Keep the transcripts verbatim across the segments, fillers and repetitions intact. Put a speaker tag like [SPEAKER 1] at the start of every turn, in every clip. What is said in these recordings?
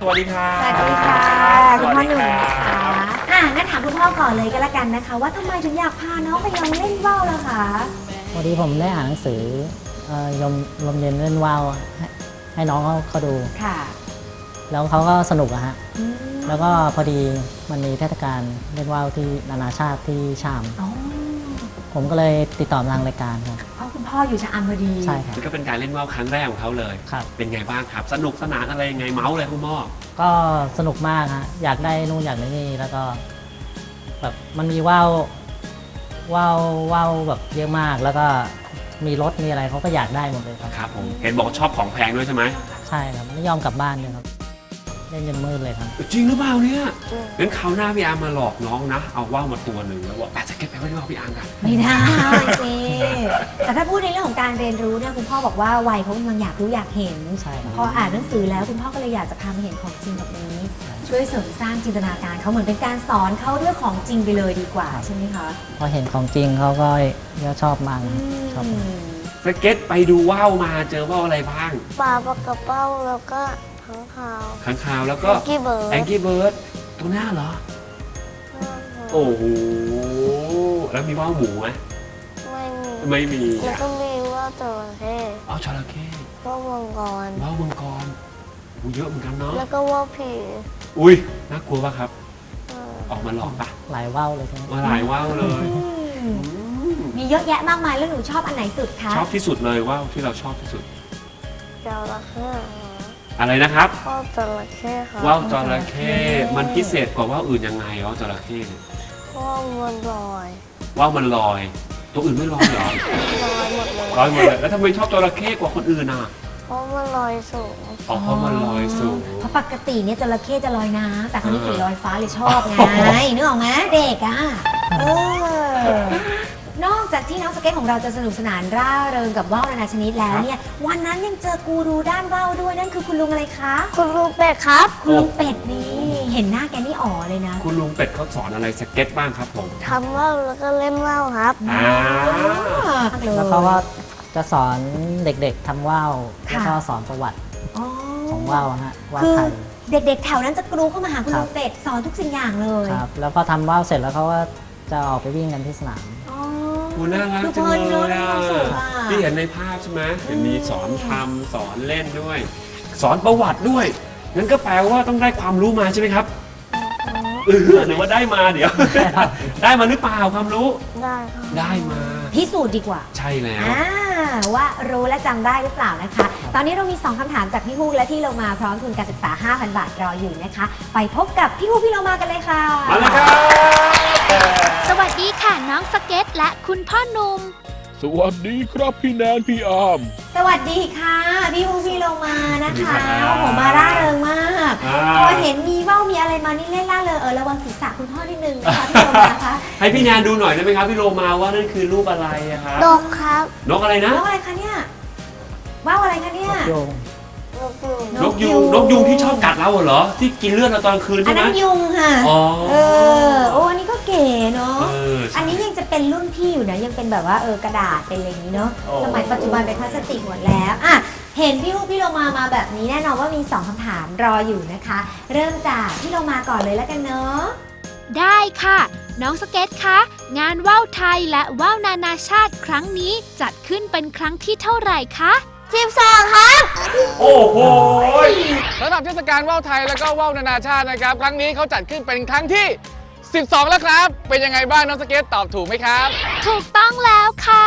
[SPEAKER 1] วัสดีค่ะ
[SPEAKER 2] สวัสดีค่ะคุณพ่อหนุ่มนะคะอ่ะงั้นถามคุณพ่อก่อนเลยก็แล้วกันนะคะว่าทำไมถึงอยากพาน้องไปลองเล่นว่าวล่ะคะ
[SPEAKER 3] พอดีผมได้อ่านหนังสือเอ่อยมลมเย็นเล่นว่าวให้ให้น้องเขาเขาดู
[SPEAKER 2] ค่ะ
[SPEAKER 3] แล้วเขาก็สนุกอะฮะ
[SPEAKER 2] อืม
[SPEAKER 3] แล้วก็พอดีมันมีเทศกาลเล่นว่าวที่นานาชาติที่ชาม
[SPEAKER 2] อ๋อ
[SPEAKER 3] ผมก็เลยติดต่อทางรายการครับ
[SPEAKER 2] เพราะคุณพ่ออยู่ชะอำพอดี
[SPEAKER 3] ใช่ครับ
[SPEAKER 1] ก็เป็นการเล่นว่าวครั้งแรกของเขาเลย
[SPEAKER 3] ครับ
[SPEAKER 1] เป็นไงบ้างครับสนุกสนานอะไรยังไงเมาส์เลยคุณพ่อ
[SPEAKER 3] ก็สนุกมากฮะอยากได้นู่นอยากได้นี่แล้วก็แบบมันมีว่าวว่าวว่าวแบบเยอะมากแล้วก็มีรถมีอะไรเขาก็อยากได้หมดเลยครับ
[SPEAKER 1] ครับผมเห็นบอกชอบของแพงด้วยใช่ไหม
[SPEAKER 3] ใช่ครับไม่ยอมกลับบ้านเลยครับเล่นจนมืดเลยครับ
[SPEAKER 1] จริงหรือเปล่าเนี่ยงั้นคราวหน้าพี่อาร์มมาหลอกน้องนะเอาว่าวมาตัวหนึ่งแล้วบอกอาจจะเก็บไปไว้ที่ว่าวพี่อาร์มกัน
[SPEAKER 2] ไม่ได้สิแต่ถ้าพูดในเรื่องของการเรียนรู้เนี่ยคุณพ่อบอกว่าวัยเขากำลังอยากรู้อยากเห็น
[SPEAKER 3] ใช่
[SPEAKER 2] พออ่านหนังสือแล้วคุณพ่อก็เลยอยากจะพามาเห็นของจริงแบบนี้ช่วยเสริมสร้างจินตนาการเขาเหมือนเป็นการสอนเขาด้วยของจริงไปเลยดีกว่าใช่ไหมคะ
[SPEAKER 3] พอเห็นของจริงเขาก็ชอบมากชอบ
[SPEAKER 1] สเก็ตไปดูว่าวมาเจอว่าวอะไรบ้าง
[SPEAKER 4] ปลาปลากระเป้าแล้วก็ขังคาว
[SPEAKER 1] ขังคาวแล้วก็
[SPEAKER 4] แองกี้เบิร์ด
[SPEAKER 1] แองกี้เบิร์ดตัวหน้าเหรอโอ้โหแล้วมีว่าวหมูไหม
[SPEAKER 4] ไม่มี
[SPEAKER 1] ไม่มี
[SPEAKER 4] แล้วก็มีว่าวจระเข้
[SPEAKER 1] อ๋อจระเข้
[SPEAKER 4] ว่าวมังกร
[SPEAKER 1] ว่าวมังกรเยอะเหมือนกันเนาะ
[SPEAKER 4] แล้วก็ว่าวผี
[SPEAKER 1] อุ้ยน่ากลัวป่ะครับออกมาหลอกป่ะ
[SPEAKER 3] หลายว่าวเลยใช่ไหม
[SPEAKER 1] มาหลายว่าวเลย
[SPEAKER 2] มีเยอะแยะมากมายแล้วหนูชอบอันไหนสุดคะ
[SPEAKER 1] ชอบที่สุดเลยว่าวที่เราชอบที่สุด
[SPEAKER 4] จระเข้
[SPEAKER 1] อะไรนะครับ
[SPEAKER 4] ว่าวจระเข้ค่ะ
[SPEAKER 1] ว่าวจระเข้มันพิเศษกว่าว่าวอื่นยังไงว่าวจระเข้
[SPEAKER 4] ว่าวมันลอย
[SPEAKER 1] ว่าวมันลอยตัวอื่นไม่ลอยเหรอ
[SPEAKER 4] ลอยหมดเลย
[SPEAKER 1] ลอยหมดเลยแล้วทำไมชอบจระเข้กว่าคนอื่นอ่ะ
[SPEAKER 4] เพราะมันลอยสูง
[SPEAKER 1] อ๋อเพราะมันลอยสูง
[SPEAKER 2] เพราะปกติเนี่ยจระเข้จะลอยน้ำแต่คนนี้เห็นลอยฟ้าเลยชอบไงนึกออกไหมเด็กอ่ะเออนอกจากที่น้องสเก็ตของเราจะสนุกสนานร่าเริงกับว่าวนานาชนิดแล้วเนี่ยวันนั้นยังเจอกูรูด้านว่าวด้วยนั่นคือคุณลุงอะไรคะ
[SPEAKER 4] คุณลุงเป็ดครับ
[SPEAKER 2] คุณลุงเป็ดนี่เห็นหน้าแกนี่อ๋อเลยนะ
[SPEAKER 1] คุณลุงเป็ดเขาสอนอะไรสเก็ตบ้างครับผม
[SPEAKER 4] ทำว่าวแล้วก็เล่นว่าวครับ
[SPEAKER 1] อ่า
[SPEAKER 3] แล้วเขาก็จะสอนเด็กๆทำว่าวแล้วก็สอนประวัติของว่าวฮะว่าวไทย
[SPEAKER 2] เด็กๆแถวนั้นจะกรูเข้ามาหาคุณลุงเป็ดสอนทุกสิ่งอย่างเลย
[SPEAKER 3] ครับแล้วพอทำว่าวเสร็จแล้วเขาก็จะออกไปวิ่งกันที่สนาม
[SPEAKER 1] คุณน่ารักจังเลยอ่ะที่เห็นในภาพใช่ไหมเห็นมีสอนทำสอนเล่นด้วย สอนประวัติด้วยงั้นก็แปลว่าต้องได้ความรู้มาใช่ไหมครับเออหรือว่าได้มาเดี๋ยวได้มาหรือเปล่าความรู้
[SPEAKER 4] ได้
[SPEAKER 1] ได้มา
[SPEAKER 2] พิสูจน์ดีกว่า
[SPEAKER 1] ใช่แล้ว
[SPEAKER 2] ว่ารู้และจำได้หรือเปล่านะคะตอนนี้เรามีสองคำถามจากพี่ฮูกและที่เรามาพร้อมทุนการศึกษา ห้าพัน บาทรออยู่นะคะไปพบกับพี่ฮูกพี่เรามากันเลยค่ะ
[SPEAKER 1] มาเลยครับ
[SPEAKER 5] สวัสดีค่ะน้องสเก็ตและคุณพ่อหนุ่ม
[SPEAKER 6] สวัสดีครับพี่แนนพี่อาร์ม
[SPEAKER 2] สวัสดีค่ะพี่ฮูกพี่เรามานะคะผมมาร่าเริงมากพอเห็นมีว่าวมีอะไรมานี่เล่นล่าเริงเออระวังศีรษะคุณพ่อนิดนึงนะคะพี่เรามาคะ
[SPEAKER 1] ให้พี่แนนดูหน่อยได้ไหมครับพี่โลมาว่านั่นคือรูปอะไรอะครับ
[SPEAKER 4] นกครับ
[SPEAKER 1] นกอะไรนะ
[SPEAKER 2] นกอะไรคะเนี่ยว่าวอะไรคะเนี่ย
[SPEAKER 1] นกยูงนกยูงที่ชอบกัดเราเหรอที่กินเลือดเราตอนคืนใช่ไหม
[SPEAKER 2] อันนั้นยุงค่ะ
[SPEAKER 1] อ๋อ
[SPEAKER 2] เออโอ้อันนี้ก็เก๋เนาะอันนี้ยังจะเป็นรุ่นพี่อยู่นะยังเป็นแบบว่าเออกระดาษเป็นอะไรอย่างนี้เนาะสมัยปัจจุบันเป็นพลาสติกหมดแล้วอ่ะเห็นพี่ฮูกพี่โลมามาแบบนี้แน่นอนว่ามีสองคำถามรออยู่นะคะเริ่มจากพี่โลมาก่อนเลยแล้วกันเนาะ
[SPEAKER 5] ได้ค่ะน้องสเก็ตคะงานว่าวไทยและว่าวนานาชาติครั้งนี้จัดขึ้นเป็นครั้งที่เท่าไหร่คะ
[SPEAKER 4] สิบสองครับ
[SPEAKER 1] โอ้โห
[SPEAKER 6] สำหรับเทศกาลว่าวไทยและก็ว่าวนานาชาตินะครับครั้งนี้เขาจัดขึ้นเป็นครั้งที่สิบสองแล้วครับเป็นยังไงบ้างน้องสเก็ตตอบถูกไหมครับ
[SPEAKER 5] ถูกต้องแล้วค่ะ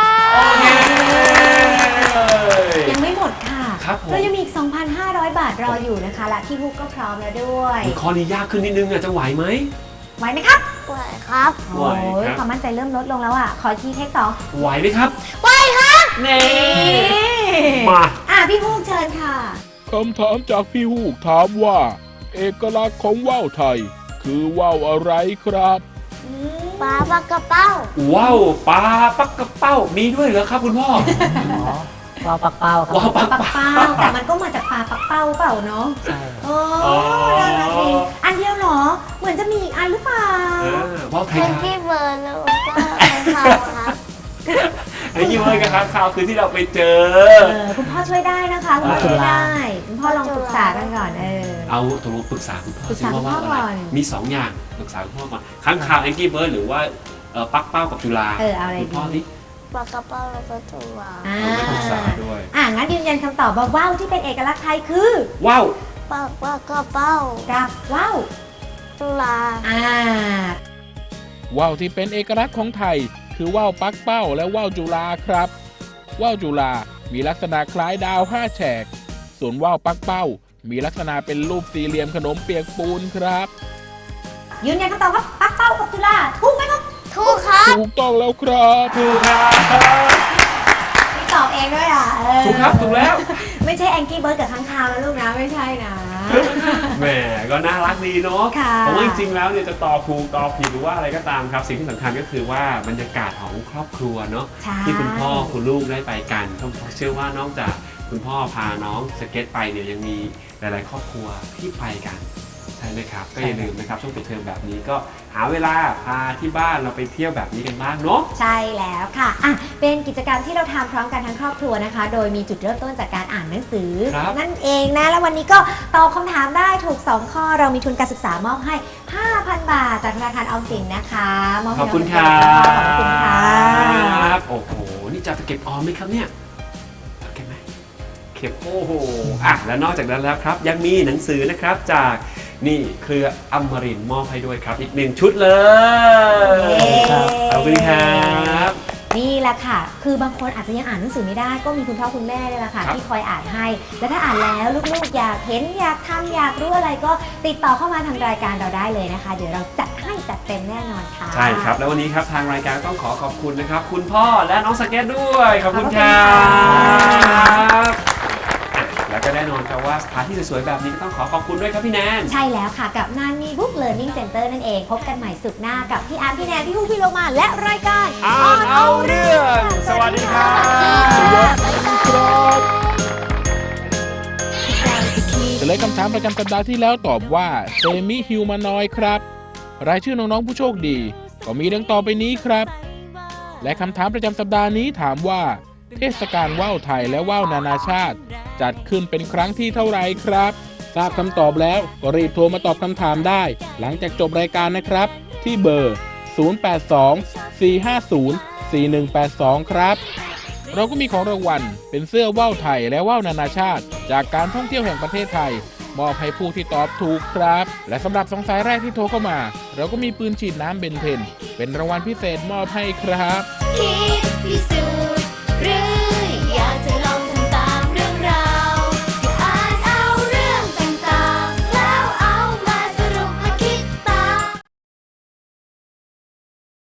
[SPEAKER 2] ยังไม่หมดค่ะ
[SPEAKER 1] ครับ
[SPEAKER 2] เรายังมีอีก สองพันห้าร้อย บาทรออยู่นะคะและพี่ฮูกก็พร้อมแล้วด้วย
[SPEAKER 1] ข้อนี้ยากขึ้นนิดนึงอ่ะจะไหวไหม
[SPEAKER 2] ไหวไหมครับ
[SPEAKER 4] ไหวครับ
[SPEAKER 2] โอ้ยความมั่นใจเริ่มลดลงแล้วอ่ะขอทีเทคสอง
[SPEAKER 1] ไหวไหมครับ
[SPEAKER 2] ไหวครับ
[SPEAKER 1] นี่มา
[SPEAKER 2] อ่ะพี่ฮูกเชิญค่ะ
[SPEAKER 6] คำถามจากพี่ฮูกถามว่าเอกลักษณ์ของว่าวไทยคือว่าวอะไรครับ
[SPEAKER 4] ปลาปลากระเป้า
[SPEAKER 1] ว้าวปลาปักกระเป้ามีด้วยเหรอครับคุณพ่อ
[SPEAKER 3] ว่าวปักเป้าครับ
[SPEAKER 1] ว่าวปัก
[SPEAKER 2] เป้าแต่มันก็มาจากปลาปักเป้าเปล่าเนาะ
[SPEAKER 3] ใช่
[SPEAKER 2] โอ้น่ารักดีอันเดียวเหรอเหมือนจะมีอีกอันหรือเปล่า
[SPEAKER 1] ว่าวไทย
[SPEAKER 4] เป็นที่เบอร์แล้วก็ทำครับ
[SPEAKER 1] ไอ้ยี่เว้ยกับค้างคาวคือที่เราไปเจอ
[SPEAKER 2] เออคุณพ่อช่วยได้นะคะคุณพ่อช่วยได้คุณพ่อลองปรึกษากันก่อนเออ
[SPEAKER 1] เอาตกลงปรึกษาคุณพ่อ
[SPEAKER 2] ปรึก
[SPEAKER 1] ซิ
[SPEAKER 2] ษา
[SPEAKER 1] ว่าว่า
[SPEAKER 2] คุณพ่อ
[SPEAKER 1] อะไร
[SPEAKER 2] ก่อน
[SPEAKER 1] มีสองอย่างปรึกษาคุณพ่อก่อนค้างคาวแองกี้เบิร์ดหรือว่าเอ่อปักเป้ากับจุฬา
[SPEAKER 2] เออเอาอะไร
[SPEAKER 1] คุณพ่อ
[SPEAKER 2] ดี
[SPEAKER 1] นี่
[SPEAKER 4] ปลากระเป๋าแล้วก็จุฬา
[SPEAKER 2] อ่า
[SPEAKER 1] ไม่ปรึกษาด้วย
[SPEAKER 2] อ่างั้นยืนยันคำตอบว่าว่าวที่เป็นเอกลักษณ์ไทยคือ
[SPEAKER 1] ว้าว
[SPEAKER 4] ปลาปลากระเป๋า
[SPEAKER 2] กับว่าว
[SPEAKER 4] จุฬา
[SPEAKER 2] อ่า
[SPEAKER 7] ว่าวที่เป็นเอกลักษณ์ของไทย คือว่าวปักเป้าและว่าวจุฬาครับว่าวจุฬามีลักษณะคล้ายดาวห้าแฉกส่วนว่าวปักเป้ามีลักษณะเป็นรูปสี่เหลี่ยมขนมเปียกปูนครับ
[SPEAKER 2] ยืนยันคำตอบว่าปักเป้ากับจุฬาถูกไหมครับ
[SPEAKER 4] ถูกครับ
[SPEAKER 7] ถูกต้องแล้วครับ
[SPEAKER 1] ถูกครับ
[SPEAKER 2] มีตอบเองด้วยอ่ะเออ
[SPEAKER 1] ถูกครับถูกแล้ว
[SPEAKER 2] ไม่ใช่แองกี้เบิร์ดกับค้างคาวนะลูกนะไม่ใช่นะ
[SPEAKER 1] แหมก็น่ารักดีเนาะ
[SPEAKER 2] ค่ะ
[SPEAKER 1] เพราะว่าจริงๆแล้วเนี่ยจะตอบถูกตอบผิดหรือว่าอะไรก็ตามครับสิ่งที่สำคัญก็คือว่าบรรยากาศของครอบครัวเนาะ
[SPEAKER 2] ใช่
[SPEAKER 1] ที่คุณพ่อคุณลูกได้ไปกันก็เชื่อว่านอกจากคุณพ่อพาน้องสเก็ตไปเนี่ยยังมีหลายๆ ครอบครัวที่ไปกันใช่ไหมครับก็อย่าลืมนะครับช่วงปิดเทอมแบบนี้ก็หาเวลาพาที่บ้านเราไปเที่ยวแบบนี้กันบ้างเนาะ
[SPEAKER 2] ใช่แล้วค่ะอ่ะ เป็นกิจกรรมที่เราทำพร้อมกันทั้งครอบครัวนะคะ โดยมีจุดเริ่มต้นจากการอ่านหนังสือ
[SPEAKER 1] ครับ
[SPEAKER 2] นั่นเองนะ แล้ววันนี้ก็ตอบคำถามได้ถูก สอง ข้อ เรามีทุนการศึกษามอบให้ ห้าพัน บาท จากธนาคารออมสินนะคะมอบ
[SPEAKER 1] ข
[SPEAKER 2] ให้
[SPEAKER 1] อบคุณค
[SPEAKER 2] น้
[SPEAKER 1] รั
[SPEAKER 2] องสเก็ตขอบคุณค่ะ
[SPEAKER 1] บโอ้โหนี่จะไปเก็บออมไหมครับเนี่ยเก็บไหมเก็บโอ้โหอ่ะและนอกจากนั้นแล้วครับ ยังมีหนังสือนะครับจากนี่เครืออมรินทร์มอบให้ด้วยครับ อีกหนึ่งชุดเลย ขอบคุณครับ
[SPEAKER 2] นี่แหละค่ะ คือบางคนอาจจะยังอ่านหนังสือไม่ได้ ก็มีคุณพ่อคุณแม่นี่แหละค่ะ
[SPEAKER 1] ครับ
[SPEAKER 2] ที่คอยอ่านให้ แล้วถ้าอ่านแล้วลูกๆอยากเห็นอยากทำอยากรู้อะไรก็ติดต่อเข้ามาทางรายการเราได้เลยนะคะ เดี๋ยวเราจัดให้จัดเต็มแน่นอนค่ะ
[SPEAKER 1] ใช่ครับ แล้ววันนี้ครับทางรายการต้องขอขอบคุณนะครับ คุณพ่อและน้องสเก็ตด้วย ขอบคุณครั
[SPEAKER 2] ขอบคุณค่ะ
[SPEAKER 1] บอ่ะแล้วก็แน่นอนครับว่าสถานที่สวยๆแบบนี้ก็ต้องขอขอบคุณด้วยครับพี่แนน
[SPEAKER 2] ใช่แล้วค่ะกับนานมีบุ๊กเลิร์นนิ่งเซ็นเตอร์นั่นเอง พบกันใหม่สุขหน้ากับพี่อาร์มพี่แนนพี่ฮู้พี่โลมาและรายการ
[SPEAKER 1] อ่านเอาเรื่อง สวัสดีครับ
[SPEAKER 7] เฉลยคำถามประจำสัปดาห์ที่แล้วตอบว่าเซมิฮิวแมนอยด์ครับ รายชื่อน้องๆผู้โชคดี ก็มีดังต่อไปนี้ครับ และคำถามประจำสัปดาห์นี้ถามว่า เทศกาลว่าวไทยและว่าวนานาชาติ จัดขึ้นเป็นครั้งที่เท่าไหร่ครับ ทราบคำตอบแล้วก็รีบโทรมาตอบคำถามได้ หลังจากจบรายการนะครับ ที่เบอร์ ศูนย์ แปด สอง สี่ ห้า ศูนย์ สี่ หนึ่ง แปด สอง ครับ เราก็มีของรางวัลเป็นเสื้อว่าวไทยและว่าวนานาชาติ จากการท่องเที่ยวแห่งประเทศไทย มอบให้ผู้ที่ตอบถูกครับ และสำหรับสองสายแรกที่โทรเข้ามา เราก็มีปืนฉีดน้ำเบนเทน เป็นรางวัลพิเศษมอบให้ครับ
[SPEAKER 2] คิด